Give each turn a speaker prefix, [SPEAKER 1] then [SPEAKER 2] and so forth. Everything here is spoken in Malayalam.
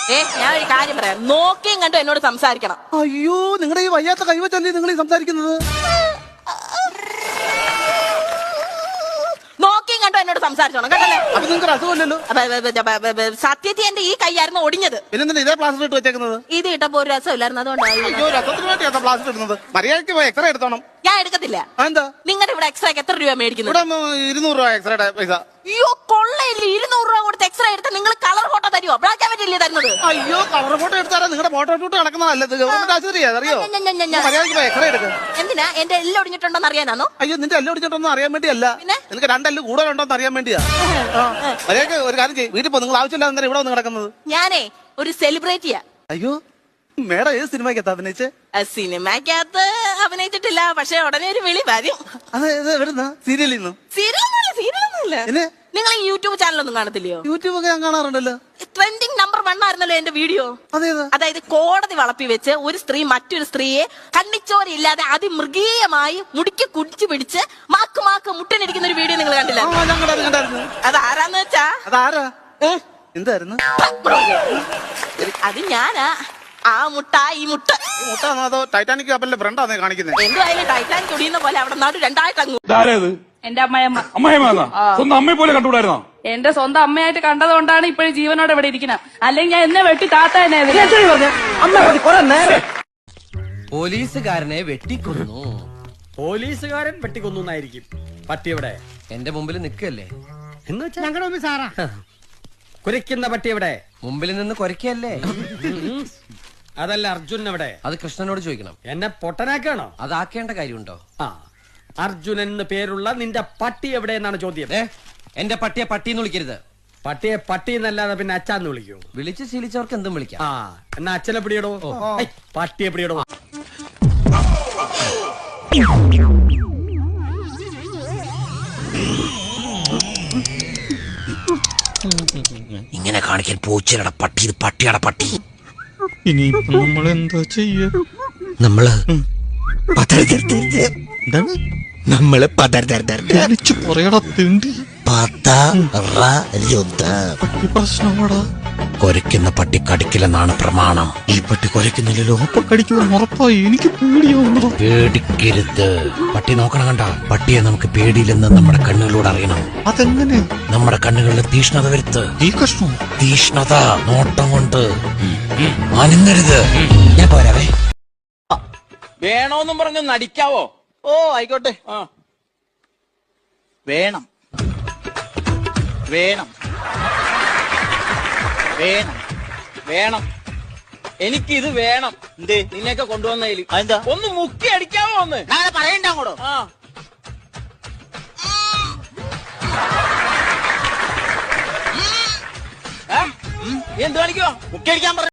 [SPEAKER 1] ഞാൻ ഒരു കാര്യം പറയാം, നോക്കിയും കണ്ടു എന്നോട് സംസാരിക്കണം.
[SPEAKER 2] അയ്യോ, നിങ്ങളുടെ ഈ വയ്യാത്ത കൈവച്ചല്ലേ നിങ്ങൾ ഈ സംസാരിക്കുന്നത്?
[SPEAKER 1] നോക്കിയും കണ്ടോ എന്നോട് സംസാരിച്ചോണം കേട്ടല്ലേ?
[SPEAKER 2] അപ്പൊ നിങ്ങൾക്ക് അസുഖമില്ലല്ലോ.
[SPEAKER 1] സത്യത്തിൽ എന്റെ ഈ കൈയായിരുന്നു ഒടിഞ്ഞത്.
[SPEAKER 2] പിന്നെ ഇതേ പ്ലാസ്റ്റർ ഇട്ട് വെച്ചേക്കുന്നത്?
[SPEAKER 1] ഇത് ഇട്ടപ്പോ ഒരു രസമില്ലായിരുന്നു, അതുകൊണ്ടാണ്.
[SPEAKER 2] അയ്യോ, രസത്തിന് വേണ്ടിയാ പ്ലാസ്റ്റർ ഇടുന്നത്. മര്യാദയ്ക്ക് പോയി എക്സ്റേ എടുത്തോണം.
[SPEAKER 1] ഞാൻ എടുക്കത്തില്ല.
[SPEAKER 2] എന്താ
[SPEAKER 1] നിങ്ങളുടെ ഇവിടെ എക്സ്റേക്ക് എത്ര രൂപ മേടിക്കുന്നത്?
[SPEAKER 2] ഇവിടെ 200 രൂപ എക്സ്റേയുടെ പൈസ.
[SPEAKER 1] അയ്യോ, കൊള്ളയില്ല. 200 രൂപ കൊടുത്ത് എക്സ്റേ എടുത്ത് നിങ്ങൾ കളർ ഫോട്ടോ തരുമോ? ബ്ലാക്ക് ആൻഡ് വൈറ്റ് അല്ലേ തരുന്നത്?
[SPEAKER 2] അയ്യോ, കളർ ഫോട്ടോ എടുത്താലേ നിങ്ങളുടെ ഫോട്ടോ ഷൂട്ട് നടക്കുന്നതല്ലത്. ഗവൺമെന്റ് ആശുപത്രിയാ, അറിയോ? മര്യാദയ്ക്ക് പോയി എക്സ്റേ എടുക്കുക.
[SPEAKER 1] എന്തിനാ? എന്റെ എല്ലാം ഒടിഞ്ഞിട്ടുണ്ടോന്ന് അറിയാനാണോ?
[SPEAKER 2] അയ്യോ, നിന്റെ എല്ലാം ഒടിഞ്ഞിട്ടൊന്നും അറിയാൻ വേണ്ടിയല്ല. നിനക്ക് 2 എല്ല് കൂടുതലുണ്ടോന്ന് അറിയാൻ വേണ്ടിയാ. മര്യാദയ്ക്ക് ഒരു കാര്യം ചെയ്യും, വീട്ടിൽ പോ. നിങ്ങൾ ആവശ്യമില്ലാതെ ഇവിടെ വന്ന് കിടക്കുന്നത്.
[SPEAKER 1] ഞാനേ ഒരു സെലിബ്രിറ്റിയാ.
[SPEAKER 2] അയ്യോ, മേഡം ഏത് സിനിമയ്ക്കകത്ത് അഭിനയിച്ചേ?
[SPEAKER 1] സിനിമയ്ക്കകത്ത് അഭിനയിച്ചിട്ടില്ല, പക്ഷെ ഉടനെ ഒരു വിളി വരും.
[SPEAKER 2] അത് എവിടുന്ന? സീരിയലിൽ നിന്നും?
[SPEAKER 1] സീരിയലൊന്നുമില്ല. നിങ്ങൾ ഈ യൂട്യൂബ് ചാനലൊന്നും കാണത്തില്ലയോ?
[SPEAKER 2] യൂട്യൂബ് ഒക്കെ ഞാൻ കാണാറുണ്ടല്ലോ.
[SPEAKER 1] ട്രെൻഡിങ് നമ്പർ 1 ആയിരുന്നല്ലോ എന്റെ വീഡിയോ.
[SPEAKER 2] അതേതാ?
[SPEAKER 1] അതായത് കോടതി വളപ്പി വെച്ച് ഒരു സ്ത്രീ മറ്റൊരു സ്ത്രീയെ കണ്ണിച്ചോരയില്ലാതെ അതിമൃഗീയമായി മുടിക്ക് കുടിച്ചു പിടിച്ച് മാക്ക് മുട്ടനിരിക്കുന്ന ഒരു വീഡിയോ നിങ്ങൾ കണ്ടില്ല? അത് ആരാന്ന് വെച്ചാ?
[SPEAKER 2] അതാരാ? എന്തായിരുന്നു
[SPEAKER 1] അത് ഞാനാ. ആ മുട്ട ഈ മുട്ട
[SPEAKER 2] അതോ ടൈറ്റാനിക് കപ്പലിന്റെ ഫ്രണ്ടാന്നേ കാണിക്കുന്നത്?
[SPEAKER 1] എന്തുവായാലും ടൈറ്റാനിക് ഒടിയുന്ന പോലെ അവിടെ നാട് രണ്ടായിട്ടങ്ങ്.
[SPEAKER 3] എന്റെ അമ്മയമ്മ.
[SPEAKER 4] സ്വന്തം അമ്മയെ പോലെ കണ്ടുകൂടായിരുന്നോ?
[SPEAKER 3] എന്റെ സ്വന്തം അമ്മയായിട്ട് കണ്ടതുകൊണ്ടാണ് ഇപ്പോഴും ജീവനോടെ ഇവിടെ ഇരിക്കുന്നത്. അല്ലെങ്കിൽ ഞാൻ എന്നെ വെട്ടി താത്ത തന്നെ.
[SPEAKER 5] പോലീസുകാരനെ വെട്ടിക്കൊന്നു.
[SPEAKER 6] പോലീസുകാരൻ വെട്ടിക്കൊന്നു എന്നായിരിക്കും. പട്ടി എവിടെ?
[SPEAKER 5] എന്റെ മുമ്പിൽ നിൽക്കല്ലേ?
[SPEAKER 6] എന്ന് വെച്ചാ ഞങ്ങളുടെ മുമ്പിൽ സാറാ. കുരയ്ക്കുന്ന പട്ടി എവിടെ?
[SPEAKER 5] മുമ്പിൽ നിന്ന് കുരയ്ക്കല്ലേ?
[SPEAKER 6] അതല്ല, അർജുൻ എവിടെ?
[SPEAKER 5] അത് കൃഷ്ണനോട് ചോദിക്കണം.
[SPEAKER 6] എന്നെ പൊട്ടനാക്കാണോ?
[SPEAKER 5] അതാക്കേണ്ട കാര്യമുണ്ടോ?
[SPEAKER 6] ആ, അർജുൻ എന്ന് പേരുള്ള നിന്റെ പട്ടി എവിടെ എന്നാണ് ചോദ്യം.
[SPEAKER 5] എന്റെ പട്ടിയെ പട്ടിന്ന് വിളിക്കരുത്.
[SPEAKER 6] പട്ടിയെ പട്ടി എന്നല്ലാതെ പിന്നെ അച്ഛന്ന് വിളിക്കൂ?
[SPEAKER 5] വിളിച്ച് ശീലിച്ചവർക്ക് എന്തും വിളിക്കാം.
[SPEAKER 6] ആ, എന്നാ അച്ഛനെ പിടിയിടോ. പട്ടിയെ പിടിയിടോ.
[SPEAKER 5] ഇങ്ങനെ കാണിക്കാൻ പൂച്ചയുടെ പട്ടി, ഇത് പട്ടിയുടെ പട്ടി.
[SPEAKER 4] ഇനിയിപ്പോ നമ്മളെന്താ ചെയ്യ?
[SPEAKER 5] നമ്മള്
[SPEAKER 4] പ്രശ്നമാടാ.
[SPEAKER 5] കൊരയ്ക്കുന്ന പട്ടി കടിക്കില്ലെന്നാണ് പ്രമാണം.
[SPEAKER 4] ഈ പട്ടി കൊരയ്ക്കുന്നില്ലല്ലോ, അപ്പൊ കടിക്കുമെന്ന് ഉറപ്പായി. എനിക്ക് പേടിയാവുന്നു.
[SPEAKER 5] പേടിക്കരുത്. പട്ടി നോക്കണം കണ്ട. പട്ടിയെ നമുക്ക് പേടിയില്ലെന്ന് നമ്മുടെ കണ്ണുകളിലൂടെ അറിയണം.
[SPEAKER 4] അതെങ്ങനെ?
[SPEAKER 5] നമ്മുടെ കണ്ണുകളിൽ തീഷ്ണത വരുത്ത്.
[SPEAKER 4] ഈ കഷ്ണം
[SPEAKER 5] തീഷ്ണത നോട്ടം കൊണ്ട് അനങ്ങരുത്. ഞാൻ പോരാവേ.
[SPEAKER 7] വേണോന്നും പറഞ്ഞു നടിക്കാവോ?
[SPEAKER 2] ഓ, ആയിക്കോട്ടെ.
[SPEAKER 7] വേണം വേണം വേണം വേണം എനിക്കിത് വേണം. എന്തേ നിന്നെയൊക്കെ കൊണ്ടുവന്നതിൽ? എന്താ ഒന്ന് മുക്കി അടിക്കാവോ? ഒന്ന് പറയണ്ട അങ്ങോട്ടോ. എന്ത് കാണിക്കോ? മുക്കി അടിക്കാൻ